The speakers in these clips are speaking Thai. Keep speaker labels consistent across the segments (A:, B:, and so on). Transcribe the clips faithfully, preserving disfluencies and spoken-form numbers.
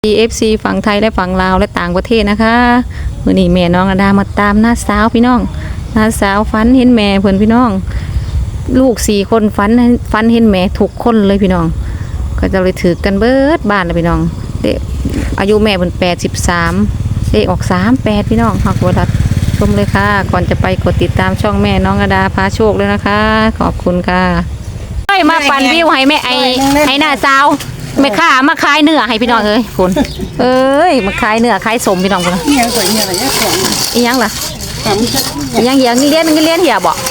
A: เอฟ ซี ฝั่งไทยและฝั่งลาวและต่างประเทศนะคะมื้อนี้แม่น้องอดามาตามน้าสาวพี่น้องน้าสาวฝันเห็นแม่เพิ่นพี่น้องลูกสี่คนฝันฝันเห็นแม่ทุกคนเลยพี่น้องก็จะเลยถือกันเบิดบ้านเลยพี่น้องเด็กอายุแม่เพิ่นแปดสิบสามเลขออกสามแปดพี่น้องฮักบ่ทัดชมเลยค่ะก่อนจะไปกดติดตามช่องแม่น้องอดาพาโชคเลยนะคะขอบคุณค่ะมาปั่นวิวให้แม่ไอ้ไอ้น้าสาวแม่ค้ามาขายเนื้อให้พี่น้องเอ้ยคุณเอ้ยมาขายเนื้อขายสมพี่น้องคุณอีหยังสวยอีหยังอะไรเนี่ยอีหยังล่ะอีหยังเหี้ยเลี้ยนเลี้ยนเหี้ยบ่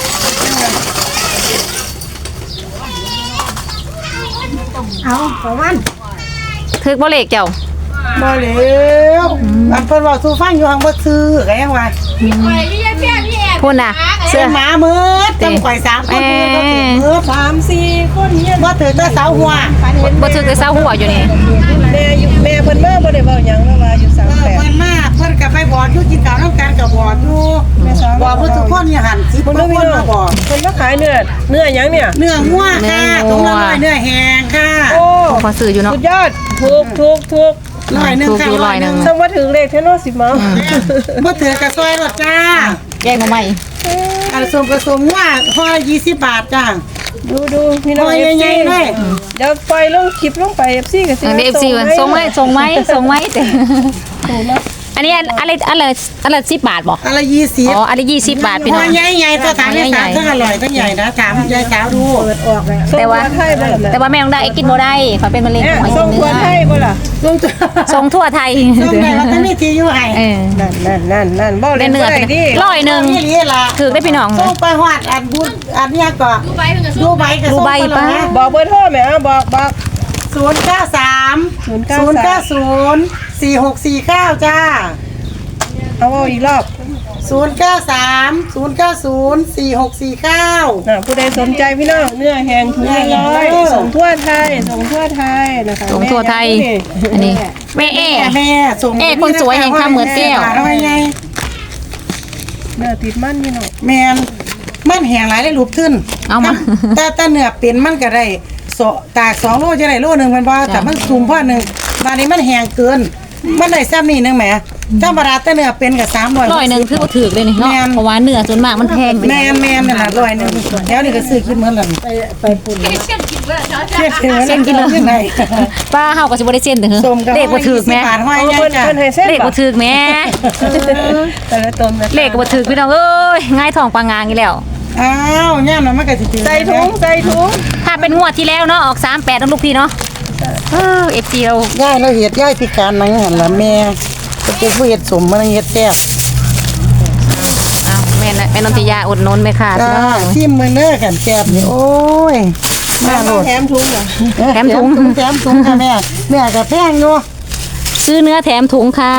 B: เอาประมาณ
A: ถึกบ่เลขเจ้า
B: บ่แล้วอันเพิ่นว่าสู่ฟังอยู่หังบ่ซื้อก็ยังว่า
A: พุ่นน่ะ
B: เสื้อหมามืดจำข่อยสามคนมืดสามสี่คนเนี่ยบ่ถือแต่เสาหัว
A: บ่ถึกแต่เสาหัวอยู่นี่
C: แม่อยู่แม่เพิ่นมาบ่ได้เว้าหยังเนาะว่าอยู่สามแปด
B: เพิ่นมาเพิ่นก็ไปบอกอยู่กินข้าวนำกันก็บอกอยู่บอกเพิ่นทุกคนอย่าหันสิเพิ่นคนมาบอก
C: เพิ่นมาขายเนื้อเนื้อหยังเนี่ย
B: เนื้องัวค่ะตรงละร้อยเนื้อแห้งค่ะ
C: โอ้
A: ขอซื้ออยู่เนาะ
C: สุดยอดถูกถูกถูก
B: ร้อยนึงค่ะร้อยนึง
C: ต้องมาถึงเลขแท้เนาะสิมา
B: บ่ถือกระซอยรถจ้า
A: แกงมาใหม่
B: อันสมกระสมว่าห่อละยี่สิบบาทจ้า
C: ดูดูพี่น้อง
B: เอฟซี
C: เดี๋ยวปล่อยลงคลิปลงไป เอฟ ซี ก็สิ
A: เอฟซีส่งไหมส่งไหมส่งไหมแต่อันนี้อะไรอะไรอะไรสิบบาทบ่
B: อะไรยี่สิบ
A: อ๋ออะไรยี่สิบบาทพี่น้อง
B: ใหญ่ใหญ่ตัวถามใหญ่ใหญ่ทั้งอร่อยทั้งใหญ่นะถามยายสาวดู
C: เปิดออกเลย
A: แต่ว่าแต่ว่าแม่ต้องได้กินบ่ได้ขอเป็นมะเร็งหัวใจ
C: เนื้อส่งทั่วไทยบ่ล่ะ
A: ส่งทั่วไทย
B: ส่งได้แล้วก็มีที่อยู่ให้
C: นั่นนั่นนั่นนั่นบ่เล่นเนื้อดิ
A: ร้อยหนึ่งถือได้พี่น้อง
B: ส่งไปฮอดอันบุญอันนี้ก็ดูใบกับส่งไป
A: ป้า
C: บอกเบอร์โทรแม่บอกบอก
B: ศูนย์เก้าสามศูนย์เก้าศูนย์สี่หกสี่เก้าจ้า
C: เอาอีกรอบ
B: ศูนย์เก้าสามศูนย์เก้าศูนย์สี่หกสี่เก้า
C: ผู้ใดสนใจพี่น้องเนื้อแห้งถุงละร้อยส่งทั่วไทยส่งทั่วไทยนะคะ
A: ส่งทั่วไทยอันนี้แม่เอ๋
B: แม่ส่ง
A: เอ๋คนสวยแห่งข้าเหมือนแก้ว
B: ทำไง
C: เนื้อติดมันพี่น้อง
B: แมนมันแห้งหลายได้รูปขึ้น
A: เอามา
B: แต่แต่เนื้อเป็นมันก็ได้ตากสองโลจะได้โลหนึ่งมันพอแต่มันสูงพอหนึ่งตอนนี้มันแห้งเกินมันได้ซ้ำนี่นึงแหมธรรมดาแต่เนื้อเป็นกับสามร้อย
A: ร้อยหนึ่งถือว่าถือเลยนี่เนาะเพราะว่าเนื้อส่วนมากมันแพง
B: แมนแมนนี่แหละร้อยหนึ่งแล้วนี่ก็ซื้อขึ้นเหมือนกันไปไปปุ่นเส้นกินเลยเส้นกินเลยยังไง
A: ป้าเฮาก็สิบ่ได้เส้นเด้อเลขบ่ถูกแม่เลขบ่ถูกแม่
C: แต่ละตน
A: เลขบ่ถูกพี่น้องเอ้ยง่ายท้องปางงางอีแล้ว
B: อ้าวย่ามมันก็สิ
C: ใส่ถุงใส่ถุง
A: ถ้าเป็นงวดที่แล้วเนาะออกสามแปดต้องลูกพี่เนาะเออ เอฟ ซี เรา
B: ย่ายเราเฮ็ดย่ายพิการนั่งหั่นล่ะแม่ก็เป็นผู้เฮ็ดสมมันเฮ็ดแซ่บ
A: อ้าวแม่น่ะแม่นนทิยาอดนนไหมค่ะ
B: จ้าชิมมื้อเด้อกันแซ่บนี่โอ้ย
C: แม่แถมถุงเหรอ
A: แถมถุง
B: แถมถุงค่ะแม่แม่ก็แพงอยู่
A: ซื้อเนื้อแถมถุงค่ะ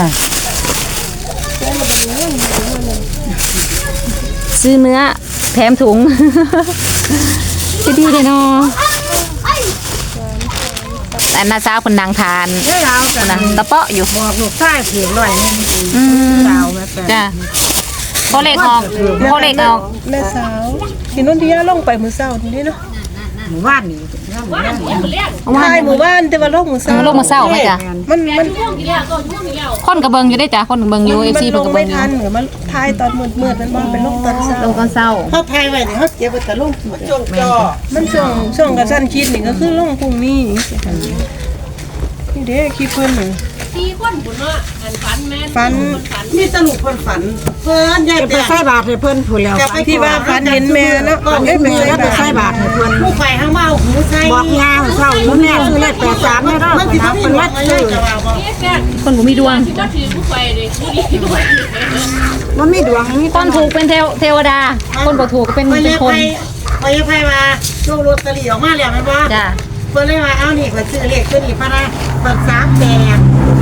A: ซื้อเนื้อแถมถุงจะดีเลยเนาะแต่น้าสาวคนนางทานนะตะเปาะอยู่
B: บอกลูกชายเพียงหน่อยนึงสาวแม่
A: จ้ะพอเล็กออกพอเล็กออก
C: แม่สาวที่นุ่นที่ย่าลงไปมือเศร้าทีนี้เนาะ
B: หมู่บ้านนี่
C: ใช่หมู่บ้านแต่ว่าลงมือเศร้า
A: ลงมือเศร้าไหมจ้ะ
C: มันมัน
A: คนกระเบิงอยู่ได้จ้ะคนกระเบิงอยู่เอฟซี
C: เพิ่งกระเบิงอยู่มันลงไม่ทันเหมือนมันทายตอนมืดมืดมันมันเป็นลงตอนเศร้า
A: ลงตอนเศร้า
B: เขาทายไว้เนี่ยเขาเก็บไว้แต่ลงช่วงจอ
C: มันช่วงช่วงกระชั้นคิดนี่ก็คือลงพรุ่งนี้นี่เด้คิดเพิ่นหนึ่ง
D: สี่คนบุญเนาะฝันแม่
C: ฝัน
B: มีตลุกเพิ่นฝันเพิ่นยายไปใส่บาตรให้เพิ่นผู้แล้ว
C: ที่ว่าฝันเห็นแม่เนาะ
B: เอ้ยไปใส่บาตรให้เพิ่นผู้ไฟข้างเมาหูใส่บอกยาเศร้าอยู่แม่ซื้อเลขแปดสามแม่เนาะมันสิบ่มีวัดซื้อ
A: คนบ่มีดวง
D: ก็ถือผู้ไฟเลยผู้ดีด้วย
B: มันมีดวงมี
A: คนถูกเป็นเทวดาคนบ่ถูกเป็นเป็นคน
B: ไปไปมาโชคลอตเตอรี่ออกมาแล้วแม่นบ่
A: จ้ะ
B: เพิ่นเลยว่าเอานี่ก็ซื้อเลขตัวนี้พะนะเปิดสามแปด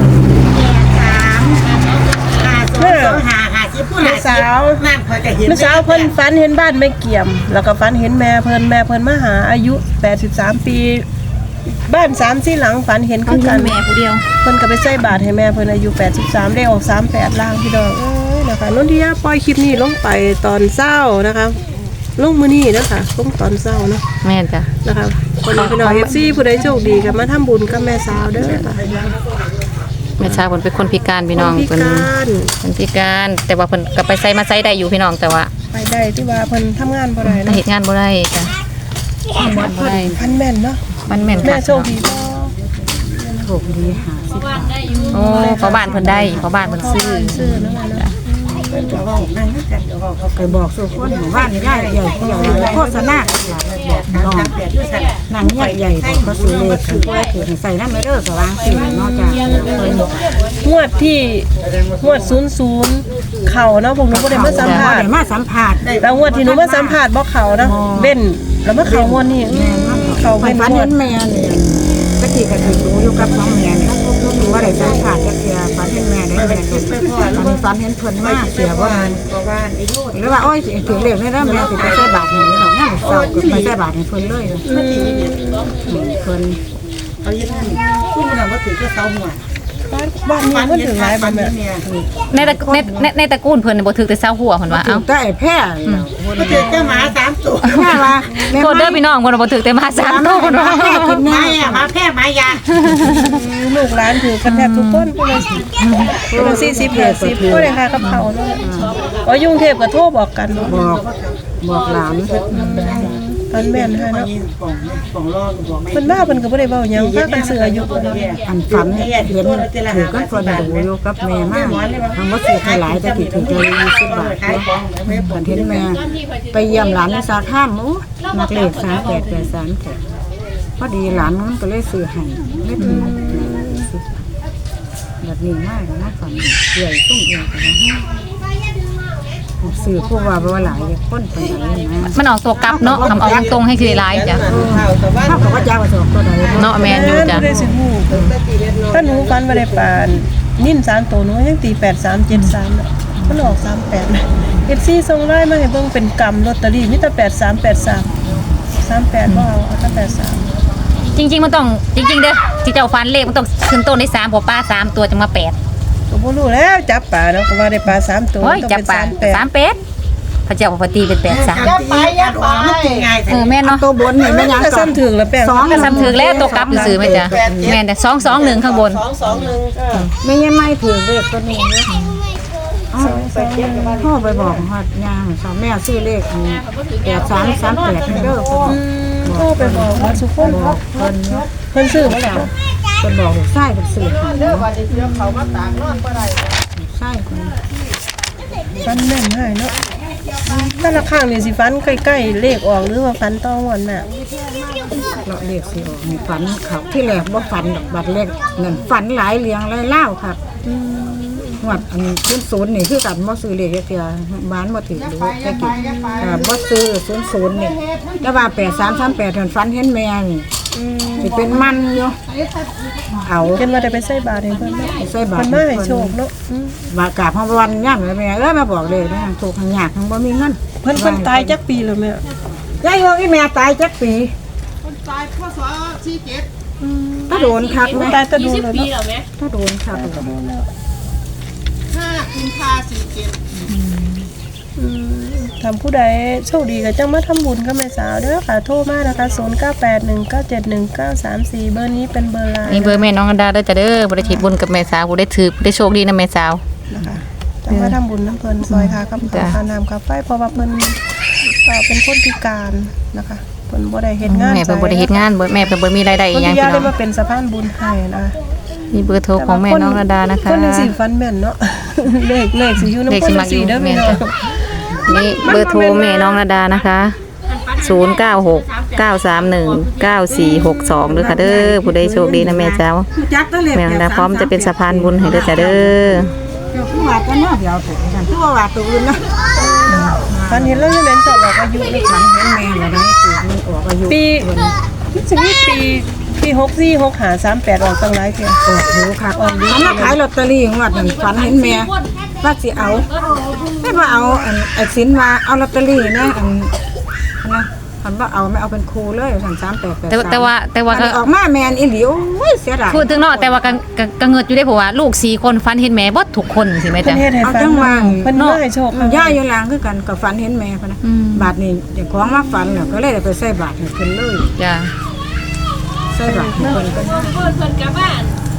B: แม่สาวแม่สาว
C: เพิ่นฝันเห็นบ้านไม่เกี่ยมแล้วก็ฝันเห็นแม่เพิ่นแม่เพิ่นมาหาอายุแปดสิบสามปีบ้านสามสี่หลังฝันเห็นคือกัน
A: แม่ผู้เดียว
C: เพิ่นก็ไปใส่บาตรให้แม่เพิ่นอายุแปดสิบสามได้ออกสามแปดล่างพี่น้องเอ้ยนะคะนนทิยาปล่อยคลิปนี้ลงไปตอนเช้านะคะลงมื้อนี้นะคะลงตอนเช้าเนาะ
A: แม่นจ้ะ
C: นะคะคนพี่น้อง เอฟ ซี ผู้ใดโชคดีก็มาทำบุญกับแม่สาวเด้อค่ะ
A: แม่สาวเพิ่นเป็นคนพิการพี่น้อง
C: พิ
A: เพิ่น
C: การ
A: เพิ่นพิการแต่ว่าเพิ่นก็ไปไสมาไสได้อยู่พี่น้องแต่ว่า
C: ไปได้ที่ว่าเพิ่นทำงานบ่ได้
A: แต่
C: เนาะ
A: เฮ็ดงานบ่ได้จ้ะบ่ได้
C: พันแม่นเนาะ
A: มันแม่น
C: แม่
A: ค่ะ
C: โชคดีบ่
A: โอ้พ่อบ้านเพิ่นได้พ่อบ้านเพิ่นซื้อ
C: ซื้อเนาะเนาะ
E: เคยบอกสู่คนหมู่บ้านใหญ่ใหญ่ใหญ่โฆษณาน้องนางใหญ่ใหญ่บอกเขาซื้อเลขถือว่าถือใส่น้ำไม่เด้อสว่างสินอกจากเพิ่น
C: งวดที่งวดศูนย์ศูนย์เข่าเนาะพวกหนูบ่ได้มาสัมภาษณ์
E: ได้มาสัมภาษณ์
C: แล้วงวดที่หนูมาสัมภาษณ์บ่เข่านะเบ้นแล้วมาเข่างวดนี้
E: แม่น
C: เข่า
E: ไป
C: เบ้น
E: ฝัน
C: งว
E: เห็
C: ด
E: นแม่เนี่ยตะกี้ก็ถือรู้อยู่กับน้องแม่เนี่ยรู้ว่าได้สัมภาษณ์จักเทื่อฝันเห็นแม่ได้แม่ตอนนี้ฝันเห็นเพิ่นมาเสียบ่หรือว่าโอ้ยถือเลขได้แล้วแม่สิไปใส่บาตรให้ดอกแม่เศร้าก็ไปใส่บาตรให้เพิ่นเลยเพิ่น
B: เอาอย่างนั้นผู้นั้นว่าถือก็เสาหัว
C: บ้านนี้มันถึงหลายบ่แม่
A: ในตระในในในตระกูลเพิ่นน่ะบ่ถึกแต่เซาหัวเพิ่นว่า
E: ถึ
A: เอ้าง
E: แต่แพ้
B: ก็ถือแค่หมาสามตัว
E: แม่ว่าแม่
A: โทษเด้อพี่น้องเพิ่นบ่ถึกแต่มาสามโตเพิ่นว่า
E: แพ้กิน
B: ไม้
E: แม่
B: อะหมาแพร่หมายา
C: ลูกหลานถือกันแทบทุกคนเพิ่นละคนละสี่สิบห้าสิบบ่ได้ค่ากับเขาเนาะอ๋อยุ่งเทพก็โทรบอกกันเนาะ
E: บอกบอกหลาน
C: พันแม่นให้เนาะ
B: ป่องป่องรอบอกไม่
C: เพิ่นมาเพิ่นก็บ่ได้เว้าหยังพากันซื้ออายุเพิ่นเนาะ
E: อันฝันเห็นถือกันคนดูอยู่กับแม่มากทำว่าสื่อให้หลายแต่ติดถึงใจยี่สิบบาทเนาะฝันเห็นแม่ไปเยี่ยมหลานในสาข้ามโอ้นักเลขสามแปดแปดสามแปดพอดีหลานมันก็เลยซื้อให้ไม่ถึงแบบนี้มากนะฝันใหญ่ตุ้มใหญ่แต่ว่าสื่อพวกว่าว่าหลายคนเป็นไหนนะ
A: มันออกตัวกลับเนาะคำออกตรงๆให้คือหลายจ้ะ
E: เท่ากับว่าเจ้าประสบตัวใด
A: เนาะแม่นอยู่จ้ะ
C: บ่ได้สิฮู้ถ้าหนูฟันบ่ได้ปานนิ่นสามตัวหนูยังตีแปดสามเจ็ดสามน่ะมันออกสามแปดนะ เอฟ ซี ส่งไลน์มาให้เบิ่งเป็นกำลอตเตอรี่มีแต่แปดสามแปดสาม สามแปดบ่เอาเอาแต่แปดสาม
A: จริงๆมันต้องจริง ๆเด้อที่เจ้าฟันเลขมันต้องขึ้นต้นในสามเพราะป้าสามตัวจังมาแปด
C: ก็บ่รู้แล้วจับปลาเนาะก็ว่าได้ปลาสามตัว
A: โอ้ย
C: ต้อง
A: จับ
C: เป็น
A: ปลา
C: สามแปด
A: สามเป็ดพระเจ้าปกติเป็นแปดสาม
B: ยัดไปยัดไปมันกินง่าย
A: เออแม่นเนาะ
E: ตัวบนนี่ไม่ยัง
C: ก็
E: ก่อน
C: ซ้ำถึงแล้วแป้ง
E: สอง
A: ก็ซ้ำถือแล้วตัวกลับซื้อไหมจ๊ะแม่นแต่สองสองหนึ่งข้างบน
C: สองสองหนึ่งก็
E: ไม่ยังไม่ถือเลขตัวนี้เนี่ยพ่อไปบอกฮอดยางสาวแม่ซื้อเลขแปดสามสามแปดเด้อ
C: อืมโทรไปบอกว่าสุคน
E: บอกเพิ่น
C: เพิ่นซื้อมาแล้ว
E: เพิ่นบอกลูกชายเป็นสื่อหาเด้อวันนี้เขามาตากนอนบ่ได้ลูกชายเพิ่น
C: ฟันแม่นให้เนาะแต่ละข้างนี่สิฟันใกล้ๆเลขออกหรือว่าฟันต้องวันน่ะ
E: เราเลขสิออกให้ฝันเขาที่แรกบ่ฝันดอกบัดเลขนั่นฝันหลายเลี้ยงหลายเล่าครับ
C: อืม
E: งวดอันศูนย์ศูนย์นี่คือกันบ่ซื้อเลขเทียบ้านบ่ถือหรือแค่กินอ่าบ่ซื้อศูนย์ศูนย์นี่แต่ว่าแปดสามสามแปดเพิ่นฝันเห็นแม่นี่
C: อืม
E: สิเป็นมันอยู่เอา
C: เห็นว่าได้ไปใส่บาตรให้เพิ่นเนาะ
E: ใส่บาตร
C: เพิ่นมาให้โชคเนาะอืม
E: บากราบพระวันย่ำเลยแม่เอ้ยมาบอกเลยนะถูกทางยากทางบ่มีเงิน
C: เพิ่นเพิ่นตายจักปีแล้วแม่
E: ยายว่าอีแม่ตายจักปี
C: อืม
E: ถ้าโดนคักไหม
C: ตายตะดู
D: ยี่สิบ
C: เลย
D: ปี
C: เนาะ
D: แล้วไหม
E: ถ้าโดนคัก
C: อืมทำผู้ใดโชคดีก็จังมาทำบุญกับแม่สาวเด้อค่ะโทรมานะคะศูนย์ เก้า แปด หนึ่ง เก้า เจ็ด หนึ่ง เก้า สาม สี่เบอร์นี้เป็นเบอร์ไลน์
A: นี่เบอร์แม่น้องอันดาเด้อจ้ะเด้อบ่ได้คิดบุญกับแม่สาวบ่ได้ถือบ่ได้โชคดีนะแม่สาว
C: นะคะจังมาทำบุญน้ำเพิ่นซอยค่ะกับ
A: จ้ะ
C: ค่าน้ำค่าไฟเพราะว่าเพิ่นเอ่อเป็นคนพิการนะคะเพิ่นบ่ได้เฮ็ดงาน
A: แม่เพิ่นบ่ได้เฮ็ดงานบ่แม่เพิ่นบ่มีรายได้อี
C: เพิ่น
A: หยัง
C: ที่ยา
A: พี่น้
C: ได้
A: อง
C: มาเป็นสะพานบุญให้นะ
A: มีเบอร์โทรของแม่น้องอันดานะคะ
C: คนจังสิฟันแม่นเนาะ เลขเลขสิอยู่นำ
A: เลข
C: ค
A: สิ
C: น
A: มั
C: จั
A: ก
C: ง
A: อยู่
C: สี่เด้อ
A: แม่
C: พี่
A: น
C: น้อ
A: จ้ะ
C: ง
A: นี่เบอร์โทรแม่น้องอันดานะคะศูนย์ เก้า หก เก้า สาม หนึ่ง เก้า สี่ หก สองเด้อค่ะเด้อผู้ใดโชคดีนะแม่เจ้า
E: จักตะเลข
A: แม่อันดาพร้อมจะเป็นสะพานบุญให้เด้อจ้ะเด้อ
E: เดี๋ยวผู้ว่าก็เนาะเดี๋ยวแต่กันผู้ว่าตัวอื่นนะ
C: ฟันเห็นแล้วยังเล่นสอบออกอายุเลย
E: ฝันเห็นแม่ละได้สิมันออกอายุ
C: ปีสิมีปีปีหกสี่ หกห้า สามแปดออกตั้งหลายเที่ย
E: ออกดูค่ะเขามาขายลอตเตอรี่งวดนั้นฝันเห็นแม่ว่าสิเอาไม่ว่าเอาอันไอ้สินมาเอาลอตเตอรี่นะอันนะคันว่าเอาไม่เอาเป็นครูเลยสั่งสามแปดแปด
A: แต่แต่ว่าแต่ว่าก็
E: ออกมาแมนอีหลีโอ้ยเสียดาย
A: พูดถึงเนาะแต่ว่าก็ก็ก็เงิดอยู่ได้เพราะว่าลูกสี่คนฟันเห็นแม่เบ่ทุกคนสิแม่
C: เพิ่
A: จ้ะ
C: นเฮ็ดให้
E: เอา
C: ฟัน
E: จังหวะ
C: เพิ่นมาให้โชค
E: ย่าอยู่ลางคือกันกับฝันเห็นแม่พะนะ
A: อืม
E: บาทนี้เดี๋ยวของมาฝันแล้วก็เลยได้ไปใส่บาทให้เพิ่นเลย
A: จ้ะ
E: ใส่บาทให้เพิ่นก็ได้
D: เพิ่นเพิ่นกลับบ้าน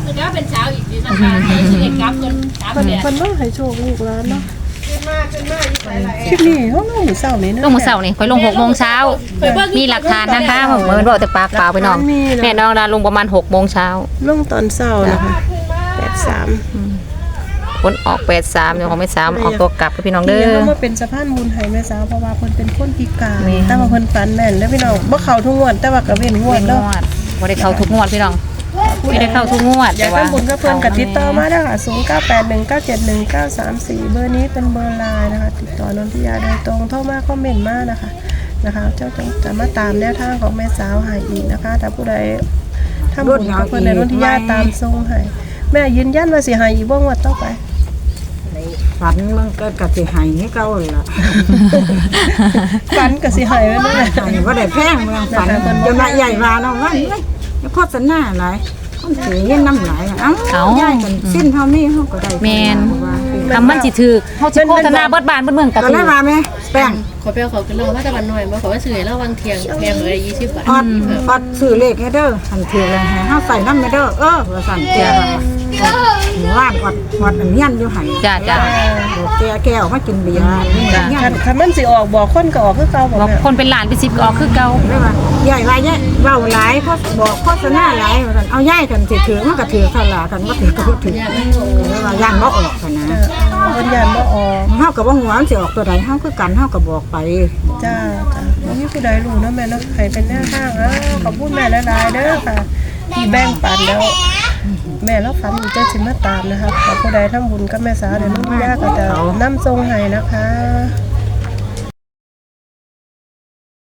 D: เดี๋ยวเป็นเช้าอีกทีนะคะสิได้กลับกันกลับ
C: มัน
D: เนี่ย
C: มันต้องให้โชคลูกหลานเนาะคลิปนี้เขาลงมื้อเช้านี้นะ
A: ลงมื้อเช้านี่ค่อยลงหกโมงเช้ามีหลักฐานนะคะเหมือนบอกแต่ปากเปล่าไปน้องแม่น้องดาลงประมาณหกโมงเช้า
C: ลงตอนเช้านะคะแปดสาม
A: ผลออกแปดสามเดี๋ยวของแม่สามออกตัวกลับกับพี่น้องเด้
C: เดี๋ยว
A: อ
C: เขามาเป็นสะพานบุญให้แม่สาวเพราะว่าเพิ่นเป็นคนพิการ
A: แม่
C: แต่ว่าเพิ่นฝันแม่นแล้วพี่น้องบ่เข้าทุกงวดแต่ว่าก็เว้นงว
A: เป็
C: ด
A: นง
C: เนาะ
A: วดบ่ได้เข้าทุกงวดพี่น้องไม่ได้เข้าทุกงวด
C: อยากทำบุญกับเพิ่นก็ติดต่อมาได้ค่ะศูนย์ เก้า แปด หนึ่ง เก้า เจ็ด หนึ่ง เก้า สาม สี่เบอร์นี้เป็นเบอร์ไลน์นะคะติดต่อนนทิยาโดยตรงโทรมาคอมเมนต์มานะคะนะคะเจ้าจะมาตามแนวทางของแม่สาวให้อีกนะคะถ้าผู้ใดทำบุญกับเพิ่นในนนทิยาตามทรงให้แม่ยืนยันว่าสิให้อีกบ่งวดต่อไป
E: ฝันมันก็กะสิให้ให้เก่าล่ะ
C: ฝันก็สิให้ไว้นั่นแหละ
E: ให้บ่ได้แพงเมืองฝันจนว่าใหญ่ว่าเนาะว่าเอ้ยโฆษณาหลายคนถือเงินน้ำหลายเอ้าใหญ่กันสิ้นเฮามีเฮาก็ได้
A: แม่นคำมันสิถูกเฮาสิโฆษณาเบิดบ้านเบิดเมืองก็
E: ก็
A: ถู
E: เลย
A: ก
E: ว่าแม่แป้ง
D: ขอเปรี้ยวเขาขึ้นลงมาแต่วันหน่อยมาขอว่าซื้อให้เราวางเที่ยงแพงเลยยี่สิบบาท
E: ออดออดซื้อเลขให้เด้อหันถือเลยให้เฮาใส่น้ำให้เด้อเออว่าสั่นแก่ว่าหมู่บ้านออดออดอันเฮียนอยู่หั่น
A: จ้าจ้า
E: บอกแก่แก้วมากินเบียร์นี่เฮีย
C: คั
E: น
C: นคันมันสิออกบอกคนก็ออกคือเก่าบ่
A: บอก
C: แม่
A: คนเป็นหลานเป็นสิบก็ออกคือเก่า
E: เลยว่าใหญ่ว่าใหญ่เว้าหลายเพราะบอกโฆษณาหลายว่าซั่นเอาใหญ่กันสิถือมันก็ถือเท่าล่ะกันบ่ถือก็บ่ถือเลยว่าย่านบ่ออกกันนะ
C: เพิ่นยันบ่ออก
E: เฮาก็บ่ฮู้ว่ามันสิออกตัวใดเฮาคือกันเฮาก็บอกไป
C: จ้าจ้าบ่มีผู้ใดรู้เนาะแม่เนาะให้เป็นแนวทางอ่ะขอบคุณแม่หลายๆเด้อค่ะที่แบ่งปันแล้ว แม่แล้วฝันอยู่ใจสิมาตามนะคะขอผู้ใดทำบุญกับแม่สาวเดี๋ยวน้องย่าก็จะนำทรงให้นะคะ